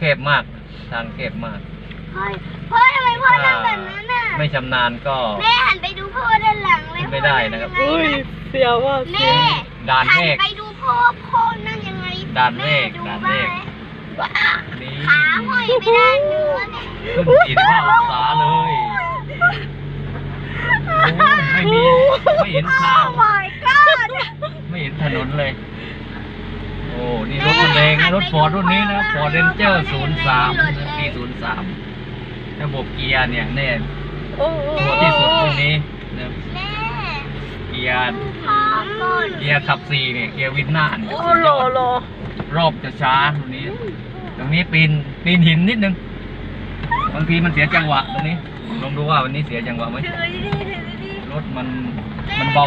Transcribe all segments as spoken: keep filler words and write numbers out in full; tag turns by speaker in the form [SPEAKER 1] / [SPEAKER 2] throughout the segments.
[SPEAKER 1] คบมากทางแคบมาก
[SPEAKER 2] พ่อพ่อทำไมพ่อทำแบบนั้นน่ะ
[SPEAKER 1] ไม่ชำนาญก็
[SPEAKER 2] แม่หันไปดูพ่อด้านหลังเลย
[SPEAKER 1] ไม่ได้นะครับ
[SPEAKER 3] อุ้ยเสียวว่ะ
[SPEAKER 2] แม่
[SPEAKER 1] ด่านเมฆ
[SPEAKER 2] หันไปดูพ่อพ่อนั่นยังไง
[SPEAKER 1] ด่านเมฆด่านเมฆ
[SPEAKER 2] นี่ขาห้อยไปด้านเนื้อเนี่ย
[SPEAKER 1] ขึ้นสี่สิบห้าองศาเลยไม่มีไม่เห็นทางไม่เห็นถนนเลยโอ้นี่รถแรงนะรถฟอร์ดรุ่นนี้นะฟอร์ดเรนเจอร์ศูนย์สามปีศูนย์สามระบบเกียร์เนี่ยแน่ตัวที่สุดรุ่นนี้นะเกียร์เกียร์ขับสี่เนี่ยเกียร์วินหน้าโอ้โหรอบจะช้าตรงนี้ตรงนี้ปีนปีนหินนิดนึงบางทีมันเสียจังหวะตรงนี้ลองดูว่าวันนี้เสียจังหวะไหมรถมันมันเบา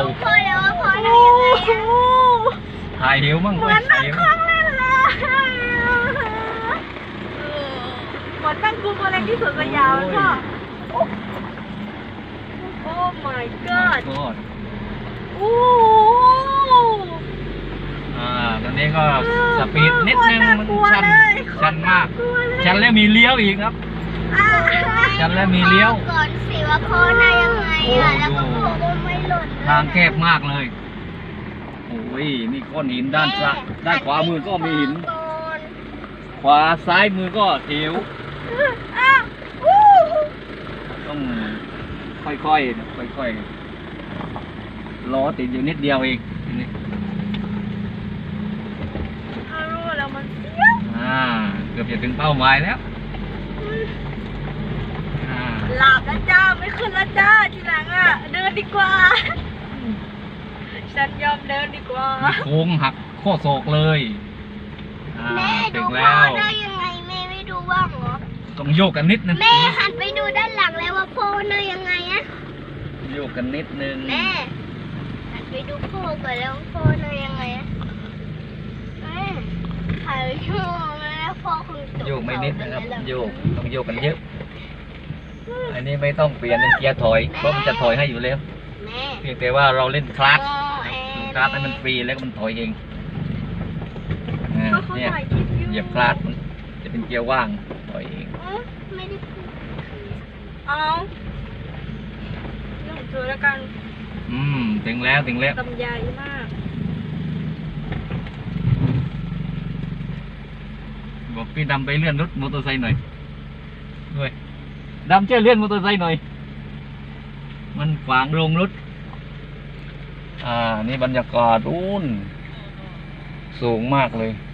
[SPEAKER 1] ถ่ายหิวมั่งเลยถ่ายหิว
[SPEAKER 3] เหมือนตั้งกลุ่มอะไรที่สวนสยามพ่อโอ้ my god โอ้
[SPEAKER 1] อ่าตอนนี้ก็สปีดนิดนึงมันชันชันมากชันแล้วมีเลี้ยวอีกครับชันแล้วมีเลี้ยว
[SPEAKER 2] ก่อนสิว่าพ่อได้ยังไงอ่ะแล้วก็พ่อก็ไม่หล่น
[SPEAKER 1] ทางแคบมากเลยโอ้ยนี่ก้อนหินด้านซ้ายด้านขวามือก็มีหินขวาซ้ายมือก็เหวต้องค่อยๆค่อยๆล้อติดอยู่นิดเดียวเองนี่
[SPEAKER 3] รู้แล้วมันเสีย
[SPEAKER 1] อ่าเกือบจะถึงเป้าหมายแล้ว
[SPEAKER 3] หลับแล้วจ้าไม่ขึ้นแล้วจ้าทีหลังอ่ะเดินดีกว่าฉันยอมเดินดีกว่า
[SPEAKER 1] โค้งหักข้อศอกเลย
[SPEAKER 2] แม่ดูพ่อได้ยังไงแม่ไม่ดูบ้างเหรอ
[SPEAKER 1] ต้องโยกกันนิดนึง
[SPEAKER 2] แม่หันไปดูด้านหลังแล้วว่าพ่อได้ยังไงอะ
[SPEAKER 1] โยกกันนิดนึง
[SPEAKER 2] แม่หันไปดูพ่อก่อนแล้วพ่อได้ยังไงอะแม่ถ่ายโยกแล้วพ่อคงตก
[SPEAKER 1] โยกไม่นิดนะครับโยกต้องโยกกันเยอะอันนี้ไม่ต้องเปลี่ยนเป็นเกียร์ถอยเพราะมันจะถอยให้อยู่แล้วเพียงแต่ว่าเราเล่นคลาสคลาสให้มันฟรีแล้วมันถอยเองเนี่ยเหยียบคลาสจะเป็นเกียร์ว่างถอยเอง
[SPEAKER 2] ไม่ได้
[SPEAKER 3] เอาเรื่องเธอแล้วกัน
[SPEAKER 1] อืมถึงแล้วถึงแล้ว
[SPEAKER 3] ลำใหญ่มาก
[SPEAKER 1] บอกพี่ดำไปเลื่อนรถมอเตอร์ไซค์หน่อยด้วยดำช่วยเลื่อนมอเตอร์ไซค์หน่อยมันขวางโรงรถอ่านี่บรรยากาศอุ่นสูงมากเลย